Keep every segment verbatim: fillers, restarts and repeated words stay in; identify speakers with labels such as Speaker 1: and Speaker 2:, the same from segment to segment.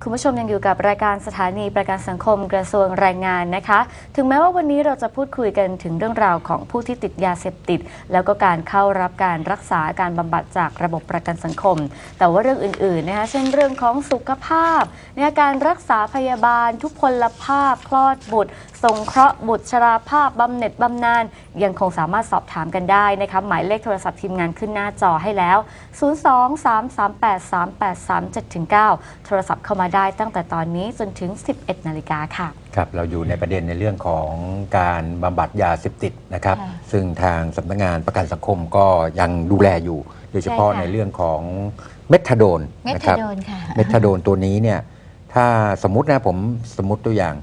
Speaker 1: คุณผู้ชมยังอยู่กับรายการสถานีประกันสังคมกระทรวงแรงงานนะคะถึงแม้ว่าวันนี้เราจะพูดคุยกันถึงเรื่องราวของผู้ที่ติดยาเสพติดแล้วก็การเข้ารับการรักษาการบำบัดจากระบบประกันสังคมแต่ว่าเรื่องอื่นๆนะคะเช่นเรื่องของสุขภาพในการรักษาพยาบาลทุพพลภาพคลอดบุตรสงเคราะห์บุตรชราภาพบำเหน็จบำนาญยังคงสามารถสอบถามกันได้นะคะหมายเลขโทรศัพท์ทีมงานขึ้นหน้าจอให้แล้วศูนย์ สอง สาม สาม แปด สาม แปด สาม เจ็ด เก้า โทรศัพท์เข้ามาได้ตั้งแต่ตอนนี้จนถึง สิบเอ็ด นาฬิกาค่ะ
Speaker 2: ครับเราอยู่ในประเด็นในเรื่องของการบำบัดยาเสพติดนะครับซึ่งทางสำนักงานประกันสังคมก็ยังดูแลอยู่โดยเฉพาะในเรื่องของเมทาโดนนะครับเมทาโดนตัวนี้เนี่ยถ้าสมมุตินะผมสมมุติตัวอย่าง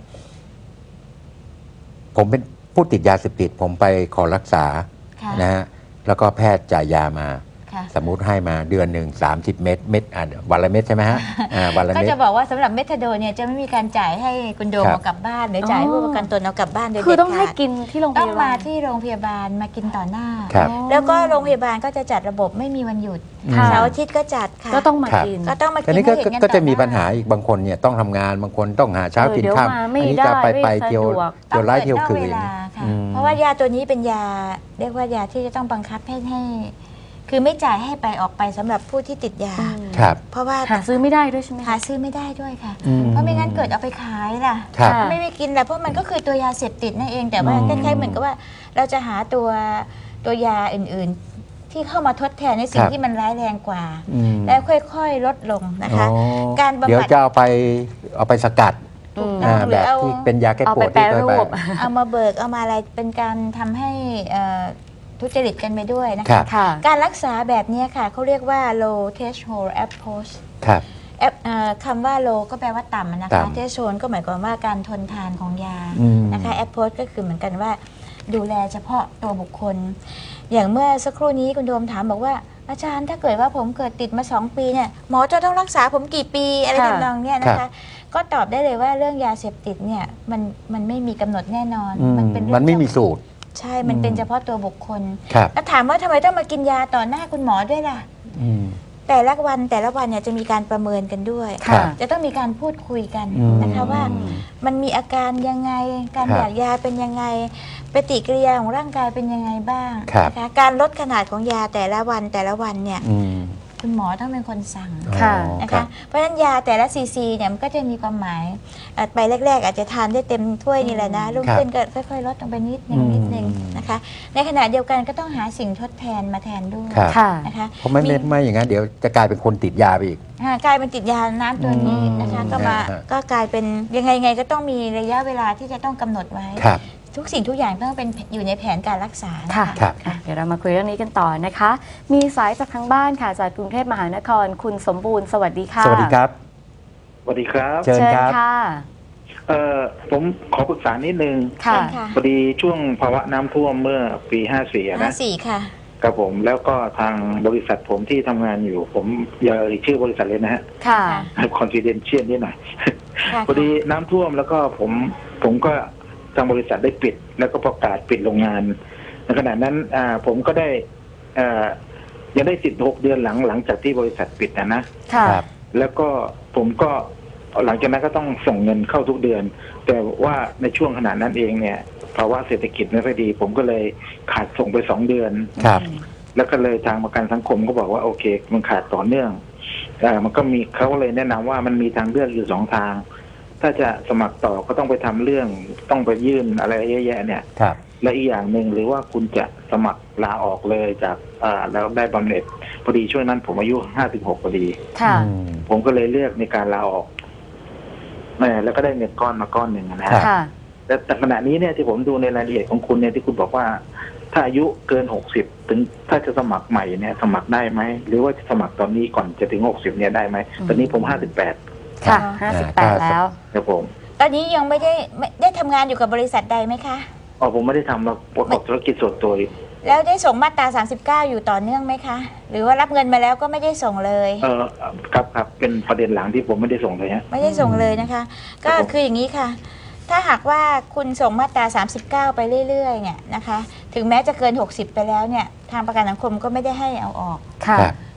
Speaker 2: ผมเป็นผู้ติดยาเสพติดผมไปขอรักษานะฮะแล้วก็แพทย์จ่ายยามาสมมุติให้มาเดือนหนึ่งสามสิบเม็ดเม็ดอ่ะวันละเม็ดใช่ไหมฮะวันละเม็ด
Speaker 3: ก็จะบอกว่าสำหรับเมทาโดนเนี่ยจะไม่มีการจ่ายให้คุณโดมเอากลับบ้านหรือจ่ายให้ผู้ประกันตนเอากลับบ้านโดยเด็ดขาด
Speaker 1: คือต้องให้กินที่โรงพยาบาล
Speaker 3: ต้องมาที่โรงพยาบาลมากินต่อหน้าแล้วก็โรงพยาบาลก็จะจัดระบบไม่มีวันหยุดเสาร์อาทิตย์ก็จัดค่ะ
Speaker 1: ก็ต้องมากิน
Speaker 3: ก็ต้องมากิน
Speaker 2: ให้เห็นกันก็จะมีปัญหาอีกบางคนเนี่ยต้องทำงานบางคนต้องหาเช้ากินค่ำอันนี้จะไปไปเที่ยวเที่ยวไล่เที่ยวคืน
Speaker 3: เพราะว่ายาตัวนี้เป็นยาเรียกว่ายาที่จะต้องบังคับให้ให้คือไม่จ่ายให้ไปออกไปสำหรับผู้ที่ติดยาเพราะว่า
Speaker 1: หาซื้อไม่ได้ด้วยใช่ไหม
Speaker 3: หาซื้อไม่ได้ด้วยค่ะเพราะไม่งั้นเกิดเอาไปขายล่ะไม่ไปกินแหละเพราะมันก็คือตัวยาเสพติดนั่นเองแต่ว่าคล้ายๆเหมือนกับว่าเราจะหาตัวตัวยาอื่นๆที่เข้ามาทดแทนในสิ่งที่มันร้ายแรงกว่าแล้วค่อยๆลดลงนะคะ
Speaker 2: การบำบัดเดี๋ยวจะเอาไปเอาไปสกัดแบบที่เป็นยาแก้ปวดที่เคยไป
Speaker 3: เอามาเบิกเอามาอะไรเป็นการทำให้ทุจริตกันไปด้วยนะคะการรักษาแบบนี้ค่ะเขาเรียกว่า low threshold approach คำว่า low ก็แปลว่าต่ำนะคะ threshold ก็หมายความว่าการทนทานของยานะคะ approach ก็คือเหมือนกันว่าดูแลเฉพาะตัวบุคคลอย่างเมื่อสักครู่นี้คุณโดมถามบอกว่าอาจารย์ถ้าเกิดว่าผมเกิดติดมาสองปีเนี่ยหมอจะต้องรักษาผมกี่ปีอะไรทำนองเนี้ยนะคะก็ตอบได้เลยว่าเรื่องยาเสพติดเนี่ยมันมันไม่มีกำหนดแน่นอน
Speaker 2: มันเป็นมันไม่มีสูตร
Speaker 3: ใช่ มันเป็นเฉพาะตัวบุคคลแล้วถามว่าทำไมต้องมากินยาต่อหน้าคุณหมอด้วยล่ะแต่ละวันแต่ละวันเนี่ยจะมีการประเมินกันด้วยจะต้องมีการพูดคุยกันนะคะว่ามันมีอาการยังไงการอยากยาเป็นยังไงปฏิกิริยาของร่างกายเป็นยังไงบ้างนะคะการลดขนาดของยาแต่ละวันแต่ละวันเนี่ยคุณหมอต้องเป็นคนสั่งนะคะเพราะฉะนั้นยาแต่ละซีซีเนี่ยมันก็จะมีความหมายไปแรกๆอาจจะทานได้เต็มถ้วยนี่แหละนะรุ่งขึ้นก็ค่อยๆลดลงไปนิดนึงนิดนึงนะคะในขณะเดียวกันก็ต้องหาสิ่งทดแทนมาแทนด้วย
Speaker 2: นะคะเพราะไม่ไม่อย่างนั้นเดี๋ยวจะกลายเป็นคนติดยาไปอีก
Speaker 3: กลายเป็นติดยาน้ำตัวนี้นะคะก็มาก็กลายเป็นยังไงไงก็ต้องมีระยะเวลาที่จะต้องกำหนดไว้ทุกสิ่งทุกอย่างต้องเป็นอยู่ในแผนการรักษา
Speaker 1: ค่ะเดี๋ยวเรามาคุยเรื่องนี้กันต่อนะคะมีสายจากทางบ้านค่ะจากกรุงเทพมหานครคุณสมบูรณ์สวัสดีค่ะ
Speaker 2: สวัสดีครับ
Speaker 4: สวัสดีครับ
Speaker 1: เชิญค่ะ
Speaker 4: เอ่อผมขอปรึกษานิดนึง
Speaker 3: ค่ะ
Speaker 4: พอดีช่วงภาวะน้ำท่วมเมื่อปีห้าสี่นะ
Speaker 3: ห้าสี่ค่ะ
Speaker 4: ครับผมแล้วก็ทางบริษัทผมที่ทำงานอยู่ผมอย่าเอ่ยชื่อบริษัทเลยนะฮะ
Speaker 3: ค่ะ
Speaker 4: คอนฟิเดนเชียลนิดหน่อยพอดีน้ำท่วมแล้วก็ผมผมก็ทางบริษัทได้ปิดแล้วก็ประกาศปิดโรงงานในขณะนั้นผมก็ได้ยังได้สิทธิ์หกเดือนหลังหลังจากที่บริษัทปิดนะนะแล้วก็ผมก็หลังจากนั้นก็ต้องส่งเงินเข้าทุกเดือนแต่ว่าในช่วงขณะนั้นเองเนี่ยภาวะเศรษฐกิจไม่ค่อยดีผมก็เลยขาดส่งไปสองเดือนแล้วก็เลยทางประกันสังคมก็บอกว่าโอเคมันขาดต่อเนื่องมันก็มีเขาเลยแนะนำว่ามันมีทางเลือกอยู่สองทางถ้าจะสมัครต่อก็ต้องไปทำเรื่องต้องไปยื่นอะไรเยอะแยะเนี่ยและอีกอย่างหนึ่งหรือว่าคุณจะสมัครลาออกเลยจากอ่าแล้วได้บำเหน็จพอดีช่วงนั้นผมอายุห้าสิบหกพอดีผมก็เลยเลือกในการลาออกแม่แล้วก็ได้เงินก้อนมาก้อนหนึ่งนะฮะแต่แต่ขณะนี้เนี่ยที่ผมดูในรายละเอียดของคุณเนี่ยที่คุณบอกว่าถ้าอายุเกินหกสิบถึงถ้าจะสมัครใหม่เนี่ยสมัครได้ไหมหรือว่าจะสมัครตอนนี้ก่อนจะถึงหกสิบเนี่ยได้ไหมตอนนี้ผมห้าสิบแปด
Speaker 1: ค่ะห้าสิบแปดแล้ว
Speaker 4: ครับผม
Speaker 3: ตอนนี้ยังไม่ได้ได้ทำงานอยู่กับบริษัทใดไหมคะ
Speaker 4: อ๋อผมไม่ได้ทำเราประกอบธุรกิจส่วนตัว
Speaker 3: แล้วได้ส่งมาตราสามสิบเก้าอยู่ต่อเนื่องไหมคะหรือว่ารับเงินมาแล้วก็ไม่ได้ส่งเลย
Speaker 4: เออครับครับเป็นประเด็นหลังที่ผมไม่ได้ส่งเลยฮะ
Speaker 3: ไม่ได้ส่งเลยนะคะก็คืออย่างนี้ค่ะถ้าหากว่าคุณส่งมาตราสามสิบเก้าไปเรื่อยๆเนี่ยนะคะถึงแม้จะเกินหกสิบไปแล้วเนี่ยทางประกันสังคมก็ไม่ได้ให้เอาออก
Speaker 1: ค่ะ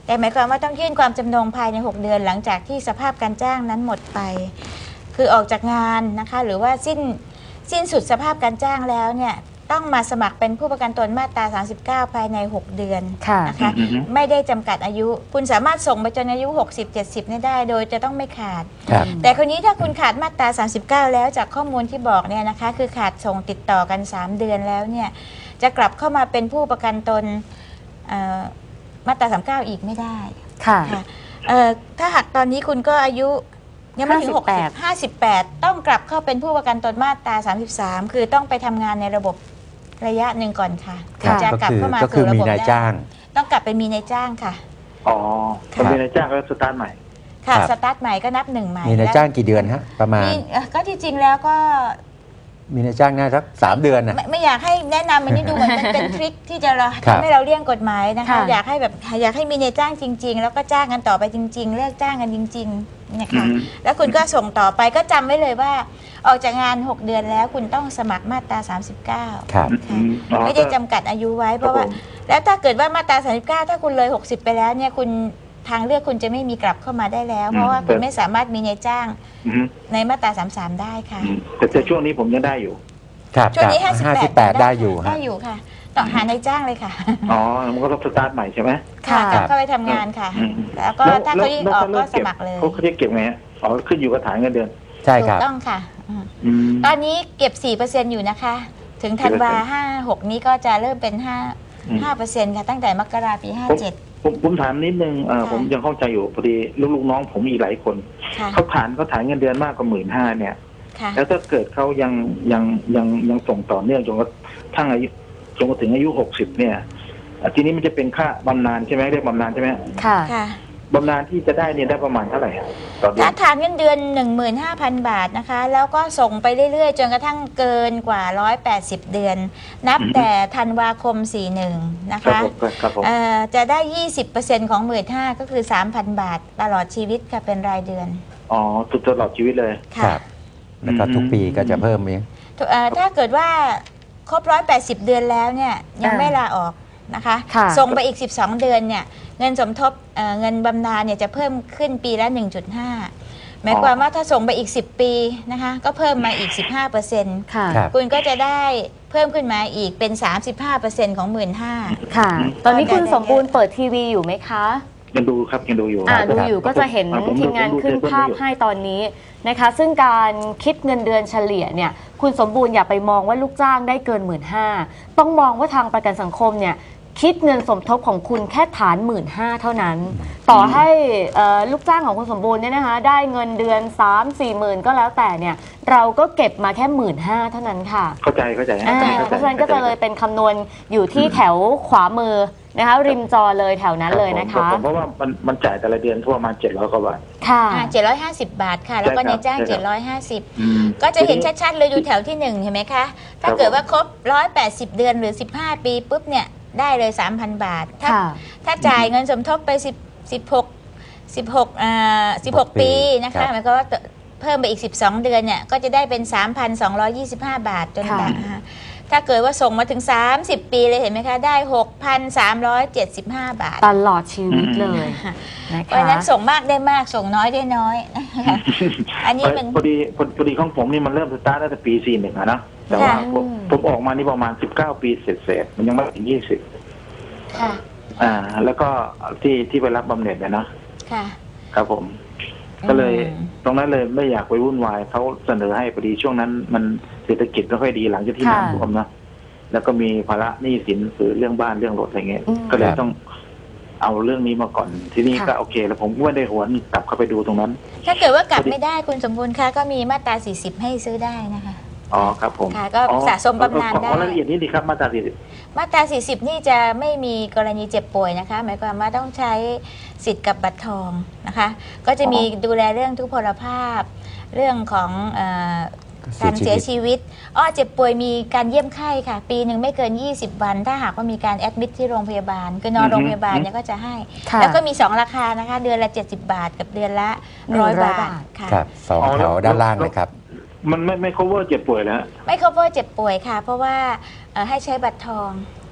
Speaker 3: แต่หมายความว่าต้องยื่นความจำนงภายในหกเดือนหลังจากที่สภาพการจ้างนั้นหมดไป คือออกจากงานนะคะหรือว่าสิ้นสิ้นสุดสภาพการจ้างแล้วเนี่ยต้องมาสมัครเป็นผู้ประกันตนมาตรา สามสิบเก้า ภายในหกเดือน
Speaker 1: ค่ะ
Speaker 3: นะคะ
Speaker 4: อือฮึ
Speaker 3: ไม่ได้จำกัดอายุ คุณสามารถส่งไปจนอายุหกสิบ เจ็ดสิบเนี่ยได้โดยจะต้องไม่ขาด
Speaker 2: ครับ
Speaker 3: แต่คนนี้ถ้าคุณขาดมาตรา สามสิบเก้า แล้วจากข้อมูลที่บอกเนี่ยนะคะคือขาดส่งติดต่อกัน สาม เดือนแล้วเนี่ยจะกลับเข้ามาเป็นผู้ประกันตนเอ่อมาตรา สามสิบเก้า อีกไม่ได้
Speaker 1: ค่ะ
Speaker 3: ค่ะเอ่อถ้าหากตอนนี้คุณก็อายุยังไม่ถึงหกสิบ ห้าสิบแปดต้องกลับเข้าเป็นผู้ประกันตนมาตรา สามสิบสาม คือต้องไปทำงานในระบบระยะหนึ่งก่อนค่ะ
Speaker 1: ค่ะ
Speaker 3: จะ
Speaker 2: ก็
Speaker 3: กลับ
Speaker 2: คือ
Speaker 3: เข้ามา
Speaker 2: ก็คือ
Speaker 3: สู่ระ
Speaker 2: มี
Speaker 3: บบ
Speaker 2: นาย
Speaker 3: ได้
Speaker 2: จ้าง
Speaker 3: ต้องกลับไปมีนายจ้างค่ะ
Speaker 4: อ๋อคนเป็นนายจ้างก็สตาร์ทใหม่
Speaker 3: ค่ะ
Speaker 2: ครับ
Speaker 3: สตาร์ทใหม่ก็นับหนึ่งใหม่
Speaker 2: มีนายจ้างกี่เดือนฮะประมาณ
Speaker 3: มีเอ่อก็ที่จริงแล้วก็
Speaker 2: มีนายจ้างน่าสักสามเดือนนะ
Speaker 3: ไม่ไม่อยากให้แนะนำมันนี่ดูเหมือนเป็นเป็นทริคที่จะเรา
Speaker 2: ครับ
Speaker 3: ทำให้เราเลี่ยงกฎหมายนะคะ
Speaker 1: ค่ะ
Speaker 3: อยากให้แบบอยากให้มีนายจ้างจริง ๆ แล้วก็จ้างกันต่อไปจริง ๆ เลิกจ้างกันจริงๆเนี่ยค่ะ
Speaker 4: อืม
Speaker 3: แล้วคุณก็ส่งต่อไปก็จำไว้เลยว่า ออกจากงานหกเดือนแล้วคุณต้องสมัครมาตรา สามสิบเก้า
Speaker 2: ครับ
Speaker 4: อืมอ๋อ
Speaker 3: ไม่ได้จำกัดอายุไว้เพราะว่า
Speaker 4: ผม
Speaker 3: แล้วถ้าเกิดว่ามาตรา สามสิบเก้า ถ้าคุณเลย หกสิบ ไปแล้วเนี่ยคุณทางเลือกคุณจะไม่มีกลับเข้ามาได้แล้ว เพราะว่าคุณไม่สามารถมีนายจ้าง
Speaker 4: อืม
Speaker 3: ในมาตรา สามสิบสาม ได้ค่ะ
Speaker 4: อืมแต่แต่ช่วงนี้ผมยังได้อยู่
Speaker 2: ครับ
Speaker 3: ช่วงนี้
Speaker 2: ครับ
Speaker 3: ห้าสิบแปด
Speaker 2: ห้าสิบแปดได้อยู่
Speaker 3: ได้
Speaker 2: ฮะ
Speaker 3: อยู่ค่ะต่อหานายจ้างเลยค่ะ
Speaker 4: อ๋อ มันก็ต้องสตาร์ทใหม่ใช่ไหม
Speaker 3: ค่ะ
Speaker 1: ค่ะ
Speaker 3: กลับเข้าไปทำงานค่ะ
Speaker 4: อืม
Speaker 3: แล้วก็ถ้าเขายิ่งออกก็สมัครเลย
Speaker 4: เขาเขาจะเก็บไงฮะอ๋อขึ้นอยู่กับฐานเงินเดือน
Speaker 2: ใช่
Speaker 3: ถู
Speaker 2: ครั
Speaker 3: ก
Speaker 2: บ
Speaker 3: ต้องค่ะอืม
Speaker 4: อืม
Speaker 3: ตอนนี้เก็บ สี่เปอร์เซ็นต์ อยู่นะคะ ถึงธันวาห้าหกนี้ก็จะเริ่มเป็นห้า
Speaker 4: อืม
Speaker 3: ห้าเปอร์เซ็นต์ค่ะตั้งแต่มกราปีห้าเจ็ด
Speaker 4: ผมผมถามนิดนึงเอ่อ
Speaker 3: ค่ะ
Speaker 4: ผมยังเข้าใจอยู่พอดีลูกๆน้องผมอีกหลายคน
Speaker 3: ค่ะ
Speaker 4: เขาฐานเขาฐานเงินเดือนมากกว่าหมื่นห้าเนี่ย
Speaker 3: ค่ะ
Speaker 4: แล้วถ้าเกิดเขายังยังยังยังส่งต่อเนื่องจนกระทั่งอายุจนกระถึงอายุหกสิบเนี่ยอ่ะทีนี้มันจะเป็นค่าบำนาญใช่ไหมเรียกบำนาญใช่ไหม
Speaker 1: ค่ะ
Speaker 3: ค่ะ
Speaker 4: บำนาญที่จะได้เนี่ยได้ประมาณเท่าไหร่อะต่อเดือ
Speaker 3: ถ้าน ฐานเงินเดือน หนึ่งหมื่นห้าพัน บาทนะคะ แล้วก็ส่งไปเรื่อยๆ จนกระทั่งเกินกว่า หนึ่งร้อยแปดสิบ เดือน นับแต่ธันวาคม สี่สิบเอ็ด นะ
Speaker 4: ครั
Speaker 3: คะ
Speaker 4: บผมครับผม
Speaker 3: เอ่อจะได้ ยี่สิบเปอร์เซ็นต์ ของ หนึ่งหมื่นห้าพัน ก็คือ สามพัน บาท ตลอดชีวิตค่ะเป็นรายเดือน
Speaker 4: อ๋อสุดตลอดชีวิตเลย
Speaker 2: ครั
Speaker 3: ค่ะ
Speaker 2: บ แล้วก็ทุกปีก็จะเพิ่มอีก
Speaker 3: เอ่อถ้าเกิดว่าครบ หนึ่งร้อยแปดสิบ เดือนแล้วเนี่ยยัง
Speaker 1: อ่า
Speaker 3: ไม่ลาออกนะคะ
Speaker 1: ค่ะ
Speaker 3: ส่งไปอีก สิบสอง เดือนเนี่ยเงินสมทบเอ่อเงินบำนาญเนี่ยจะเพิ่มขึ้นปีละ หนึ่งจุดห้า หมายความว่าถ้าส่งไปอีก สิบ ปีนะคะก็เพิ่มมาอีก สิบห้าเปอร์เซ็นต์
Speaker 1: ค่ะ
Speaker 2: ครับ
Speaker 3: คุณก็จะได้เพิ่มขึ้นมาอีกเป็น สามสิบห้าเปอร์เซ็นต์ ของ หนึ่งหมื่นห้าพัน
Speaker 1: ค่ะ ตอนนี้คุณ
Speaker 3: ได้
Speaker 1: สมบูรณ์เปิดทีวีอยู่ไหมคะ
Speaker 4: ยังดูครับยังดูอยู่
Speaker 1: อ่า
Speaker 4: ครับ
Speaker 1: ดูอยู่ก็จะเห็น
Speaker 4: อ่าผม
Speaker 1: ทีมงาน
Speaker 4: ผมดู
Speaker 1: ขึ้น
Speaker 4: เทป
Speaker 1: ภาพ
Speaker 4: อยู่
Speaker 1: ให้ตอนนี้นะคะ ซึ่งการคิดเงินเดือนเฉลี่ยเนี่ยคุณสมบูรณ์อย่าไปมองว่าลูกจ้างได้เกินหมื่นห้าต้องมองว่าทางประกันสังคมเนี่ยคิดเงินสมทบของคุณแค่ฐานหมื่นห้าเท่านั้น ต่อให้เอ่อลูกจ้างของคุณสมบูรณ์เนี่ยนะคะได้เงินเดือน สาม สี่หมื่นก็แล้วแต่เนี่ยเราก็เก็บมาแค่หมื่นห้าเท่านั้นค่ะ
Speaker 4: เข้าใจเข้าใจ
Speaker 1: อ่า
Speaker 4: ข้
Speaker 1: เพราะฉะนั้นก็จะเลยเป็นคำนวณอยู่ที่แถวขวามือนะคะ ริมจอเลยแถวนั้นเลยนะ
Speaker 4: รับ
Speaker 1: คะ
Speaker 4: ผมเพราะว่ามันมันจ่ายแต่ละเดือนทั่วประมาณเจ็ดร้อยกว่าบาท
Speaker 1: ค่ะ
Speaker 3: อ่าเจ็ดร้อยห้าสิบ บาทค่ะ แล้วก็
Speaker 4: ใช่ครับ
Speaker 3: ในจ้าง
Speaker 4: ใช่ครับ
Speaker 3: เจ็ดร้อยห้าสิบ
Speaker 4: อืม
Speaker 3: ก็จะเห็นชัดๆเลยดูแถวที่หนึ่งเห็นไหมคะ ถ้าเกิดว่าครบ หนึ่งร้อยแปดสิบ เดือนหรือ สิบห้า ปีปุ๊บเนี่ยได้เลย สามพัน บาท ถ้า
Speaker 1: ค่ะ
Speaker 3: ถ้าจ่ายเงินสมทบไป10 16 16อ่า16 ปีนะ
Speaker 2: ครั
Speaker 3: คะ
Speaker 2: บ
Speaker 3: หมายความว่าเพิ่มไปอีก สิบสอง เดือนเนี่ยก็จะได้เป็น สามพันสองร้อยยี่สิบห้า บาทจน
Speaker 1: ค่ะ
Speaker 3: แบบนะคะถ้าเกิดว่าส่งมาถึง สามสิบ ปีเลยเห็นไหมคะ ได้ หกพันสามร้อยเจ็ดสิบห้า บาท
Speaker 1: ตลอดชีวิตเลยนะ
Speaker 3: เพราะ
Speaker 1: คะ
Speaker 3: ฉะนั้นส่งมากได้มากส่งน้อยได้น้อยนะคะอันนี้มัน
Speaker 4: พอดีพอพอดีของผมนี่มันเริ่มสตาร์ทตั้งแต่ปีสี่หนึ่งอะนะแต่ว่า
Speaker 3: ค่ะ
Speaker 4: ผมผมออกมานี่ประมาณสิบเก้าปีเศษๆมันยังไม่ถึงยี่สิบ
Speaker 3: ค่ะ
Speaker 4: อ่า แล้วก็ที่ที่ไปรับบำเหน็จเนี่ยนะ
Speaker 3: ค่ะ
Speaker 4: ครับผม ก็เลย
Speaker 3: อืม
Speaker 4: ตรงนั้นเลยไม่อยากไปวุ่นวายเขาเสนอให้พอดีช่วงนั้นมันเศรษฐกิจไม่ค่อยดีหลังจากที่
Speaker 1: ค่ะ
Speaker 4: น้ำท่วมนะแล้วก็มีภาระหนี้สินคือเรื่องบ้านเรื่องรถอะไรเงี้ย
Speaker 1: อืม
Speaker 4: ก็เลย
Speaker 2: ครับ
Speaker 4: ต้องเอาเรื่องนี้มาก่อน ทีนี้
Speaker 1: ค่ะ
Speaker 4: ก็โอเค แล้วผมก็ไม่ได้หวนกลับเข้าไปดูตรงนั้น
Speaker 3: ถ้าเกิดว่ากลับไม่ได้คุณสมบูรณ์คะก็มีมาตรา สี่สิบ ให้ซื้อได้นะคะ
Speaker 4: อ๋อครับผม
Speaker 3: ค่ะก็
Speaker 4: อ๋อ
Speaker 3: สะสมบำนาญ
Speaker 4: ขอ
Speaker 3: ได้
Speaker 4: ขอรายละเอียดนี้ดีครับมาตราสี่สิบ
Speaker 3: มาตรา สี่สิบ นี่จะไม่มีกรณีเจ็บป่วยนะคะ หมายความว่าต้องใช้สิทธิ์กับบัตรทองนะคะ ก็จะมีดูแลเรื่องทุพพลภาพ เรื่องของเออการเสียชีวิตอ้อเจ็บป่วยมีการเยี่ยมไข้ค่ะ ปีหนึ่งไม่เกิน ยี่สิบ วัน ถ้าหากว่ามีการแอดมิทที่โรงพยาบาล คือนอนโรงพยาบาลเนี่ยก็จะให้
Speaker 1: ค่ะ
Speaker 3: แล้วก็มี สอง ราคานะคะ เดือนละ เจ็ดสิบ บาท กับเดือนละ
Speaker 1: หนึ่งร้
Speaker 3: ร้
Speaker 1: อ
Speaker 3: อย ย
Speaker 1: บา
Speaker 3: บา
Speaker 1: ท
Speaker 3: ทค่ะ
Speaker 2: ครับสอง
Speaker 4: อ๋อ
Speaker 2: แถ
Speaker 4: แล้ว
Speaker 2: วด้านล่างเลยครับ
Speaker 4: มันไม่ไม่ cover เจ็บป่วยแล้ว
Speaker 3: ไม่ cover เจ็บป่วยค่ะ เพราะว่าเอ่อให้ใช้บัตรทอง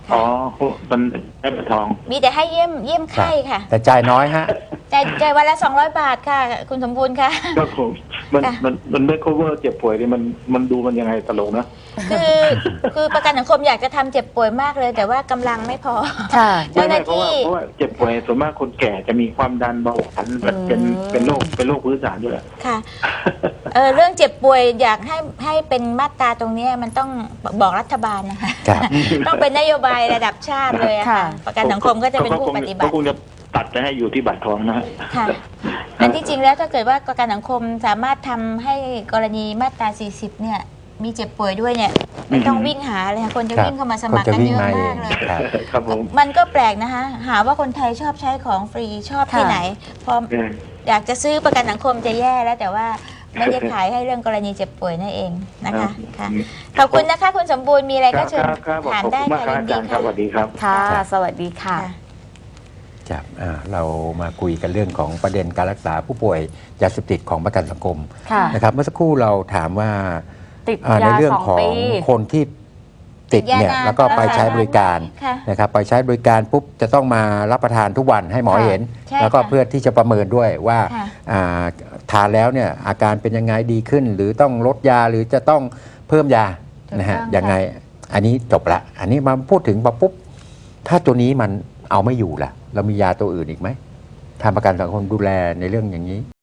Speaker 4: อ๋อมันได้บัตรทอง
Speaker 3: มีแต่ให้เยี่ยมเยี่ยมไข้ค่ะ
Speaker 2: แต่จ่ายน้อยฮะ
Speaker 3: จ่ายจ่ายวันละสองร้อยบาทค่ะ คุณสมบูรณ์ค่ะ
Speaker 4: ก็ผมมัน
Speaker 3: ค่ะ
Speaker 4: มันมันไม่ cover เจ็บป่วยนี่มันมันดูมันยังไงตลกนะ
Speaker 3: คือคือประกันสังคมอยากจะทำเจ็บป่วยมากเลย แต่ว่ากำลังไม่พอ
Speaker 1: ค่ะ
Speaker 3: เจ้าหน้า
Speaker 4: เพราะว่า
Speaker 3: ที่
Speaker 4: เพราะว่าเจ็บป่วยส่วนมากคนแก่จะมีความดันเบาหวานแบบเป็น
Speaker 1: อืม
Speaker 4: เป็นโรคเป็นโรคพื้นฐานด้วย
Speaker 3: ค่ะเออเรื่องเจ็บป่วยอยากให้ให้เป็นมาตราตรงเนี้ยมันต้องบอกรัฐบาลนะคะ
Speaker 2: ครับ
Speaker 3: ต้องเป็นนโยบายระดับชาติเลยอะค่ะ
Speaker 1: ค่ะ
Speaker 3: ประกันสังคมก็จะเป็นผู้ปฏิบั
Speaker 4: ก็
Speaker 3: ติ
Speaker 4: คงจะตัดไปให้อยู่ที่บัตรทองนะฮะ
Speaker 3: ค่ะอันที่จริงแล้วถ้าเกิดว่าประกันสังคมสามารถทำให้กรณีมาตรา สี่สิบ เนี่ย มีเจ็บป่วยด้วยเนี่ยไม่ต้องวิ่งหาเลยค่ะคนจะ
Speaker 2: ครับ
Speaker 3: วิ่งเข้ามาสมัครกัน
Speaker 2: คนจะวิ่
Speaker 3: เย
Speaker 2: ง
Speaker 3: อะ
Speaker 2: มาเอ
Speaker 3: มาง กเลย
Speaker 2: ครับ
Speaker 4: ครับผม
Speaker 3: มันก็แปลกนะคะ หาว่าคนไทยชอบใช้ของฟรีชอบที่
Speaker 1: ค่ะ
Speaker 3: ไหน พออยากจะซื้อประกันสังคมจะแย่แล้วแต่ว่าไม่ได้ขายให้เรื่องกรณีเจ็บป่วยนั่นเองนะคะค่ะขอบคุณนะคะคุณสมบูรณ์มีอะไรก็เชิญ
Speaker 4: ครับครับ
Speaker 3: ถาม
Speaker 4: ขอบ
Speaker 3: ได้
Speaker 4: คุณมาก
Speaker 3: ค่ะ
Speaker 4: ครับ
Speaker 3: ยิ
Speaker 4: อาน จารย์ค
Speaker 3: ดีค่ะ
Speaker 4: รับสวัสดีครับ
Speaker 1: ค่ะ
Speaker 2: ครับ
Speaker 1: สวัสดีค่ะ
Speaker 3: ค่ะ
Speaker 2: ครับอ่าเรามาคุยกันเรื่องของประเด็นการรักษาผู้ป่วยยาเสพติดของประกันสังคม
Speaker 1: ค่ะ
Speaker 2: นะครับเมื่อสักครู่เราถามว่า
Speaker 1: ติด
Speaker 2: อ่าใน
Speaker 1: ยา
Speaker 2: เรื่อง
Speaker 1: สอง
Speaker 2: ของ
Speaker 1: ปี
Speaker 2: คนที่ติดเนี่ย
Speaker 3: ติดยานาน
Speaker 2: แล้วก็ไปใช้บริการ
Speaker 3: ค่ะ
Speaker 2: นะครับไปใช้บริการปุ๊บจะต้องมารับประทานทุกวันให้หมอ
Speaker 1: ค่ะ
Speaker 2: เห็น
Speaker 3: ใช่
Speaker 2: แล้วก็
Speaker 3: ค่ะ
Speaker 2: เพื่อที่จะประเมินด้วยว่า
Speaker 3: ค่ะ
Speaker 2: อ่าทานแล้วเนี่ยอาการเป็นยังไงดีขึ้น หรือต้องลดยาหรือจะต้องเพิ่มยา
Speaker 3: ถูก
Speaker 2: นะฮะ
Speaker 3: ต้อง
Speaker 2: ยังไงอันนี้จบละอันนี้มาพูดถึงปุ๊บถ้าตัวนี้มันเอาไม่อยู่ล่ะ เรามียาตัวอื่นอีกไหมทางประกันสังคมดูแลในเรื่องอย่างนี้